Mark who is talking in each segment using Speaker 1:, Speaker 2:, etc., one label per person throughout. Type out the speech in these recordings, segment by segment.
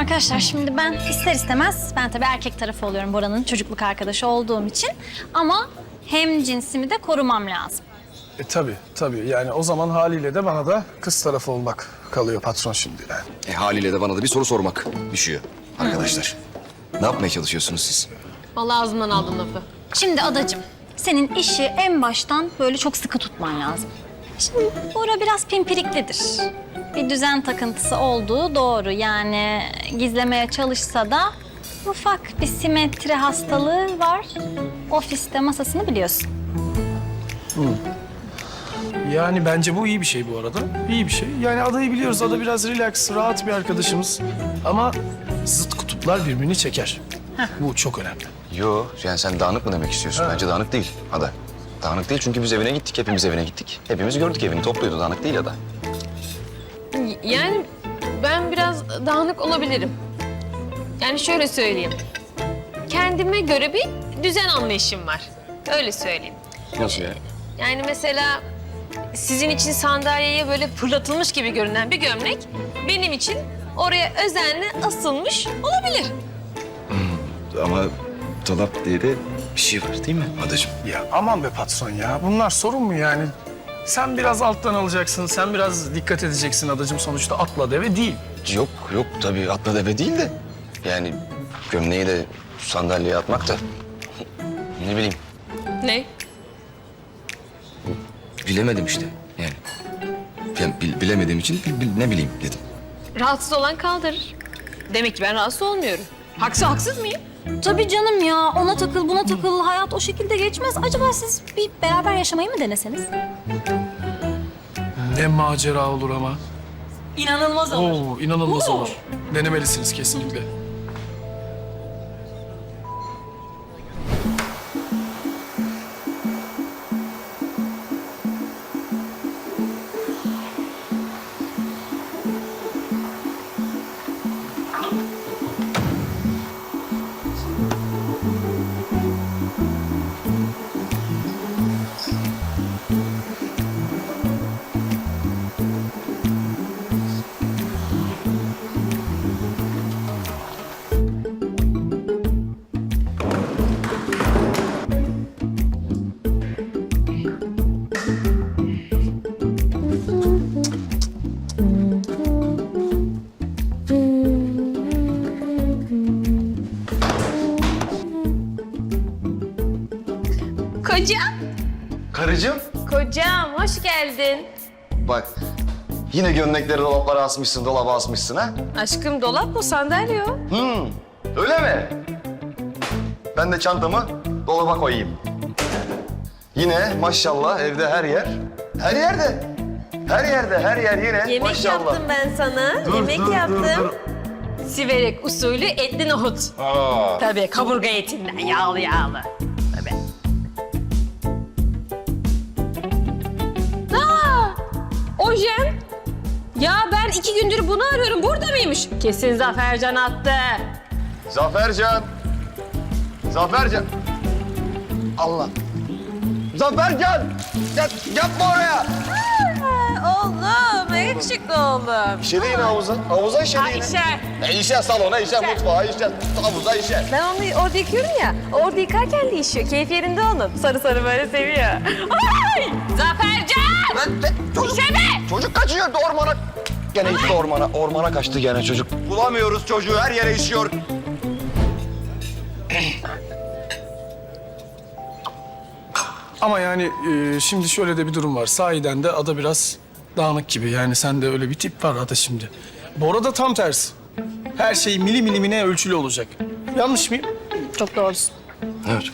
Speaker 1: Arkadaşlar şimdi ben ister istemez, ben tabii erkek tarafı oluyorum Bora'nın çocukluk arkadaşı olduğum için. Ama hem cinsimi de korumam lazım.
Speaker 2: Tabii. Yani o zaman haliyle de bana da kız tarafı olmak kalıyor patron şimdi yani.
Speaker 3: Haliyle de bana da bir soru sormak düşüyor arkadaşlar. Ne yapmaya çalışıyorsunuz siz?
Speaker 4: Vallahi ağzımdan aldın lafı.
Speaker 1: Şimdi adacığım, senin işi en baştan böyle çok sıkı tutman lazım. Şimdi Bora biraz pimpiriklidir. Bir düzen takıntısı olduğu doğru. Yani gizlemeye çalışsa da ufak bir simetri hastalığı var. Ofiste masasını biliyorsun.
Speaker 2: Yani bence bu iyi bir şey bu arada. İyi bir şey. Yani adayı biliyoruz. Ada biraz relax, rahat bir arkadaşımız. Ama zıt kutuplar birbirini çeker. Bu çok önemli.
Speaker 3: Yo, yani sen dağınık mı demek istiyorsun? Bence dağınık değil Ada. Dağınık değil çünkü biz evine gittik, hepimiz evine gittik. Hepimiz gördük evini, topluydu. Dağınık değil Ada.
Speaker 4: Yani ben biraz dağınık olabilirim. Yani şöyle söyleyeyim. Kendime göre bir düzen anlayışım var. Öyle söyleyeyim.
Speaker 3: Nasıl yani?
Speaker 4: Yani mesela sizin için sandalyeye böyle fırlatılmış gibi görünen bir gömlek benim için oraya özenle asılmış olabilir.
Speaker 3: Ama dolap diye de bir şey var değil mi Adacığım?
Speaker 2: Ya aman be patron ya. Bunlar sorun mu yani? Sen biraz alttan alacaksın. Sen biraz dikkat edeceksin adacığım. Sonuçta atla deve değil.
Speaker 3: Yok tabii atla deve değil de. Yani gömleği de sandalyeye atmak da ne bileyim
Speaker 4: Ne?
Speaker 3: bilemedim işte yani. Bilemediğim için ne bileyim dedim.
Speaker 4: Rahatsız olan kaldırır. Demek ki ben rahatsız olmuyorum. Haksız mıyım?
Speaker 1: Tabii canım ya. Ona takıl, buna takıl. Hayat o şekilde geçmez. Acaba siz bir beraber yaşamayı mı deneseniz?
Speaker 2: Ne macera olur ama.
Speaker 1: İnanılmaz
Speaker 2: Oo, inanılmaz olur. Denemelisiniz kesinlikle.
Speaker 4: Kocam.
Speaker 3: Karıcığım.
Speaker 4: Kocam hoş geldin.
Speaker 3: Bak yine gömlekleri dolaplara asmışsın, dolaba asmışsın ha?
Speaker 4: Aşkım dolap mı sandalye o?
Speaker 3: Öyle mi? Ben de çantamı dolaba koyayım. Yine maşallah evde her yer. Her yerde. Her yer yine
Speaker 4: Yemek
Speaker 3: maşallah.
Speaker 4: yaptım ben sana. Yemek yaptım. Siverek usulü etli nohut. Tabii kaburga etinden yağlı. Tabii. Ojen. Ya ben 2 gündür bunu arıyorum. Burada mıymış? Kesin Zafercan attı.
Speaker 3: Zafercan. Allah. Zafercan. Yapma oraya.
Speaker 4: Oğlum, yakışıklı oğlum.
Speaker 3: İşedi yine havuza. Havuza işedi yine.
Speaker 4: Ayşe.
Speaker 3: İşe salona, işe mutfağa, işe havuza, işe.
Speaker 4: Ben onu orada yıkıyorum ya. Orada yıkarken de işiyor. Keyif yerinde onun. Sarı böyle seviyor. Ay! Zafercan!
Speaker 3: Çocuk kaçıyor ormana. Gene gitti ormana kaçtı gene çocuk. Bulamıyoruz çocuğu, her yere işiyor.
Speaker 2: Ama yani şimdi şöyle de bir durum var. Sahiden de ada biraz dağınık gibi. Yani sende öyle bir tip var ada şimdi. Bora da tam tersi. Her şey milimine ölçülü olacak. Yanlış mıyım?
Speaker 1: Çok doğrusun.
Speaker 3: Evet.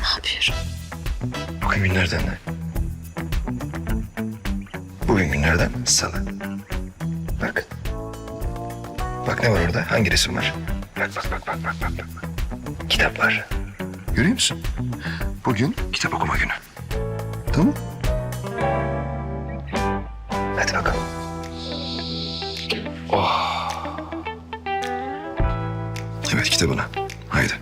Speaker 4: ne yapıyorum?
Speaker 3: Bugün günlerden ne? Bugün günlerden salı. Bak. Bak ne var orada? Hangi resim var? Bak. Kitap var. Görüyor musun? Bugün kitap okuma günü. Tamam. Hadi bakalım. Evet kitabına. Haydi.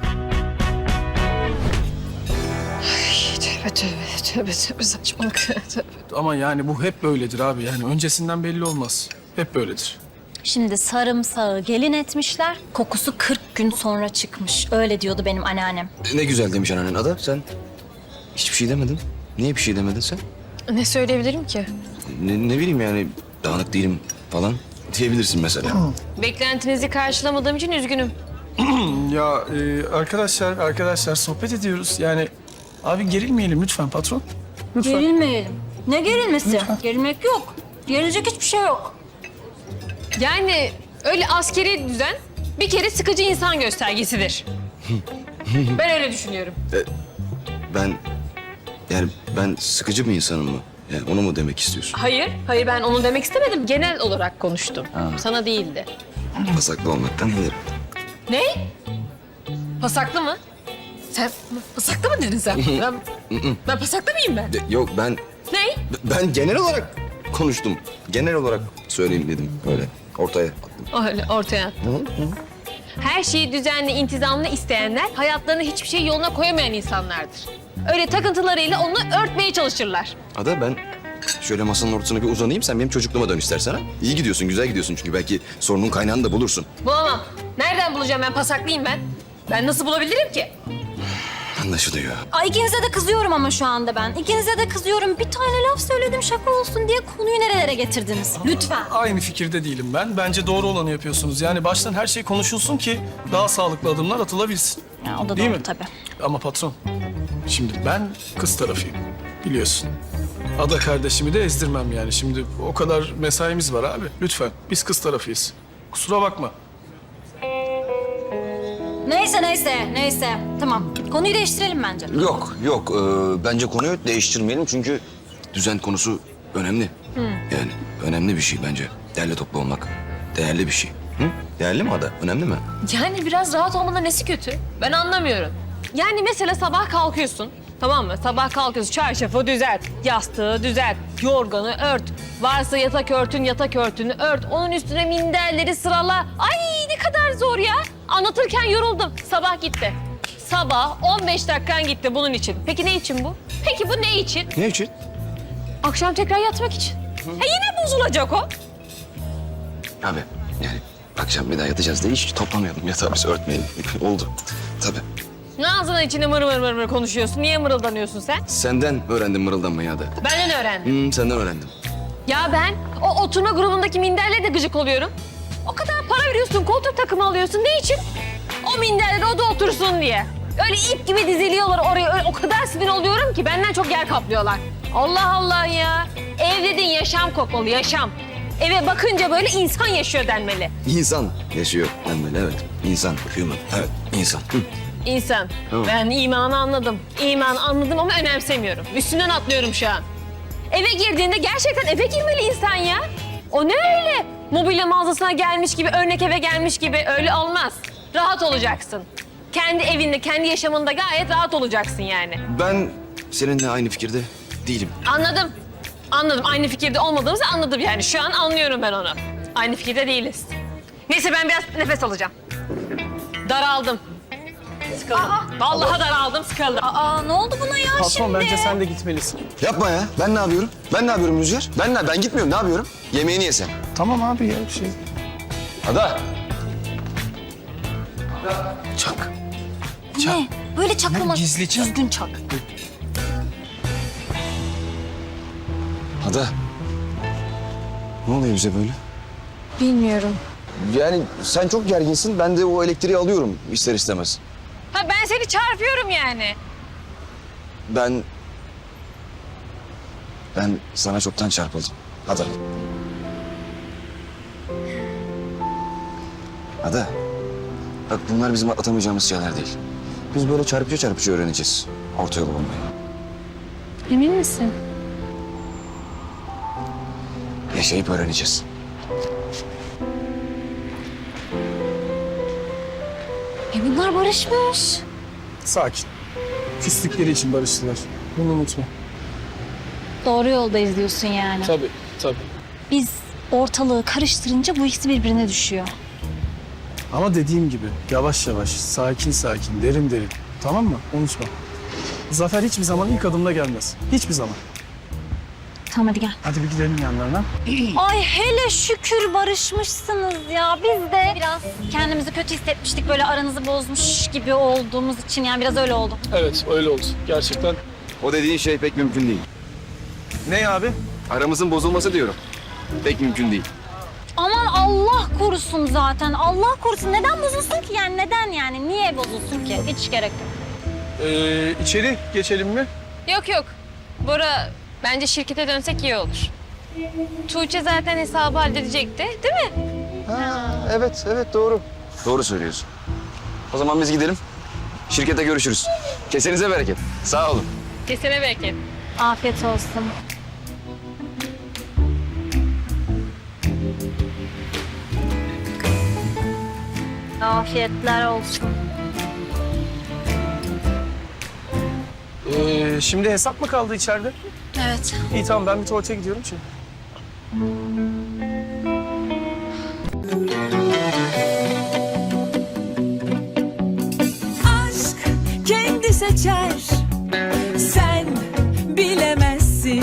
Speaker 4: Tövbe saçmalık.
Speaker 2: Ama yani bu hep böyledir abi. Yani öncesinden belli olmaz. Hep böyledir.
Speaker 1: Şimdi sarımsağı gelin etmişler. Kokusu 40 gün sonra çıkmış. Öyle diyordu benim anneannem.
Speaker 5: Ne güzel demiş annen Ada. Sen hiçbir şey demedin. Niye bir şey demedin sen?
Speaker 4: Ne söyleyebilirim ki?
Speaker 5: Ne bileyim yani dağınık değilim falan diyebilirsin mesela.
Speaker 4: Beklentinizi karşılamadığım için üzgünüm.
Speaker 2: Ya arkadaşlar sohbet ediyoruz. Yani abi gerilmeyelim lütfen patron. Lütfen.
Speaker 1: Gerilmeyelim. Ne gerilmesi? Gerilmek yok. Gerilecek hiçbir şey yok.
Speaker 4: Yani öyle askeri düzen bir kere sıkıcı insan göstergesidir. Ben öyle düşünüyorum.
Speaker 5: Ben sıkıcı bir insanım mı? Yani onu mu demek istiyorsun?
Speaker 4: Hayır ben onu demek istemedim. Genel olarak konuştum. Sana değildi.
Speaker 5: Pasaklı olmaktan iyidir.
Speaker 4: Ne? Pasaklı mı? Sen pasaklı mı dedin sen? Ben pasaklı mıyım ben?
Speaker 5: Yok
Speaker 4: Ne?
Speaker 5: ben genel olarak konuştum. Genel olarak söyleyeyim dedim öyle ortaya attım.
Speaker 4: Öyle ortaya. Her şeyi düzenli, intizamlı isteyenler hayatlarını hiçbir şey yoluna koyamayan insanlardır. Öyle takıntılarıyla onu örtmeye çalışırlar.
Speaker 5: Ada ben şöyle masanın ortasına bir uzanayım sen benim çocukluğuma dön istersen ha. İyi gidiyorsun güzel gidiyorsun çünkü belki sorunun kaynağını da bulursun.
Speaker 4: Bulamam. Nereden bulacağım ben? Pasaklıyım ben. Ben nasıl bulabilirim ki?
Speaker 5: Anlaşılıyor.
Speaker 1: Ay ikinize de kızıyorum ama şu anda ben. İkinize de kızıyorum. Bir tane laf söyledim şaka olsun diye konuyu nerelere getirdiniz? Lütfen.
Speaker 2: Aynı fikirde değilim ben. Bence doğru olanı yapıyorsunuz. Yani baştan her şey konuşulsun ki daha sağlıklı adımlar atılabilsin.
Speaker 1: Ya, o da
Speaker 2: Değil
Speaker 1: doğru
Speaker 2: mi?
Speaker 1: tabii.
Speaker 2: Ama patron, şimdi ben kız tarafıyım. Biliyorsun. Ada kardeşimi de ezdirmem yani. Şimdi o kadar mesaimiz var abi. Lütfen. Biz kız tarafıyız. Kusura bakma.
Speaker 1: Neyse. Tamam. Konuyu değiştirelim bence.
Speaker 5: Yok. Bence konuyu değiştirmeyelim çünkü düzen konusu önemli. Yani önemli bir şey bence. Değerli toplu olmak değerli bir şey. Hı? Değerli mi Ada? Önemli mi?
Speaker 4: Yani biraz rahat olmanın nesi kötü? Ben anlamıyorum. Yani mesela sabah kalkıyorsun, tamam mı? Sabah kalkıyorsun, çarşafı düzelt, yastığı düzelt, yorganı ört. Varsa yatak örtünü ört. Onun üstüne minderleri sırala. Ay ne kadar zor ya. Anlatırken yoruldum. Sabah gitti. Sabah 15 dakikan gitti bunun için. Peki ne için bu? Peki bu ne için?
Speaker 5: Ne için?
Speaker 4: Akşam tekrar yatmak için. Yine bozulacak o.
Speaker 5: Abi yani akşam bir daha yatacağız diye hiç toplamayalım. Yatağı biz örtmeyelim. Oldu. Tabii.
Speaker 4: Ağzının içinde mır konuşuyorsun. Niye mırıldanıyorsun sen?
Speaker 5: Senden öğrendim mırıldanmayı Ada.
Speaker 4: Benden öğrendim.
Speaker 5: Senden öğrendim.
Speaker 4: Ya ben o oturma grubundaki minderle de gıcık oluyorum. O kadar para veriyorsun, koltuk takımı alıyorsun. Ne için? O minderle de o da otursun diye. Öyle ip gibi diziliyorlar oraya. Öyle, o kadar sinir oluyorum ki benden çok yer kaplıyorlar. Allah Allah ya. Ev dediğin yaşam kokmalı, yaşam. Eve bakınca böyle insan yaşıyor denmeli.
Speaker 5: İnsan yaşıyor denmeli evet. İnsan, human. Evet, insan.
Speaker 4: İnsan.
Speaker 5: Tamam.
Speaker 4: Ben imanı anladım. İmanı anladım ama önemsemiyorum. Üstünden atlıyorum şu an. Eve girdiğinde gerçekten eve girmeli insan ya. O ne öyle? Mobilya mağazasına gelmiş gibi, örnek eve gelmiş gibi öyle olmaz. Rahat olacaksın. Kendi evinde, kendi yaşamında gayet rahat olacaksın yani.
Speaker 5: Ben seninle aynı fikirde değilim.
Speaker 4: Anladım. Aynı fikirde olmadığımızı anladım yani. Şu an anlıyorum ben onu. Aynı fikirde değiliz. Neyse ben biraz nefes alacağım. Daraldım. Sıkıldım. Vallahi daraldım, sıkıldım.
Speaker 1: Aa ne oldu buna ya
Speaker 2: Patron
Speaker 1: şimdi?
Speaker 2: bence sen de gitmelisin.
Speaker 5: Yapma ya. Ben ne yapıyorum? Ben ne yapıyorum Rüzgar? Ben gitmiyorum. Ne yapıyorum? Yemeğini yesen.
Speaker 2: Tamam abi ya bir şey.
Speaker 5: Ada.
Speaker 2: Çak.
Speaker 1: Ne? Böyle çaklama.
Speaker 2: Gizli çak.
Speaker 1: Düzgün çak.
Speaker 5: Ada. Ne oluyor bize böyle?
Speaker 4: Bilmiyorum.
Speaker 5: Yani sen çok gerginsin. Ben de o elektriği alıyorum ister istemez.
Speaker 4: Ha ben seni çarpıyorum yani.
Speaker 5: Ben sana çoktan çarpıldım. Ada. Ada. Bak bunlar bizim atlatamayacağımız şeyler değil. Biz böyle çarpıcı öğreneceğiz orta yolu bulmayı.
Speaker 4: Emin misin?
Speaker 5: Yaşayıp öğreneceğiz.
Speaker 1: Bunlar barışmış.
Speaker 2: Sakin. Küslükleri için barıştılar. Bunu unutma.
Speaker 1: Doğru yoldayız diyorsun yani.
Speaker 2: Tabii, tabii.
Speaker 1: Biz ortalığı karıştırınca bu ikisi birbirine düşüyor.
Speaker 2: Ama dediğim gibi yavaş yavaş, sakin sakin, derin derin. Tamam mı? Unutma. Zafer hiçbir zaman ilk adımda gelmez. Hiçbir zaman.
Speaker 1: Tamam hadi gel.
Speaker 2: Hadi bir gidelim yanlarına.
Speaker 1: Ay hele şükür barışmışsınız ya. Biz de biraz kendimizi kötü hissetmiştik. Böyle aranızı bozmuş gibi olduğumuz için yani biraz öyle oldu.
Speaker 2: Evet, öyle oldu. Gerçekten.
Speaker 5: O dediğin şey pek mümkün değil.
Speaker 2: Ne abi?
Speaker 5: Aramızın bozulması diyorum. Pek mümkün değil.
Speaker 1: Aman Allah korusun zaten. Allah korusun. Neden bozulsun ki yani? Neden yani? Niye bozulsun ki? Hiç gerek yok.
Speaker 2: İçeri geçelim mi?
Speaker 4: Yok. Bora, bence şirkete dönsek iyi olur. Tuğçe zaten hesabı halledecekti, değil mi?
Speaker 5: Evet doğru. Doğru söylüyorsun. O zaman biz gidelim. Şirkette görüşürüz. Kesenize bereket. Sağ olun.
Speaker 4: Kesene bereket.
Speaker 1: Afiyet olsun. Afiyetler olsun.
Speaker 2: Şimdi hesap mı kaldı içeride?
Speaker 1: Evet.
Speaker 2: İyi tamam ben bir tuvalete gidiyorum şimdi.
Speaker 6: aşk kendi seçer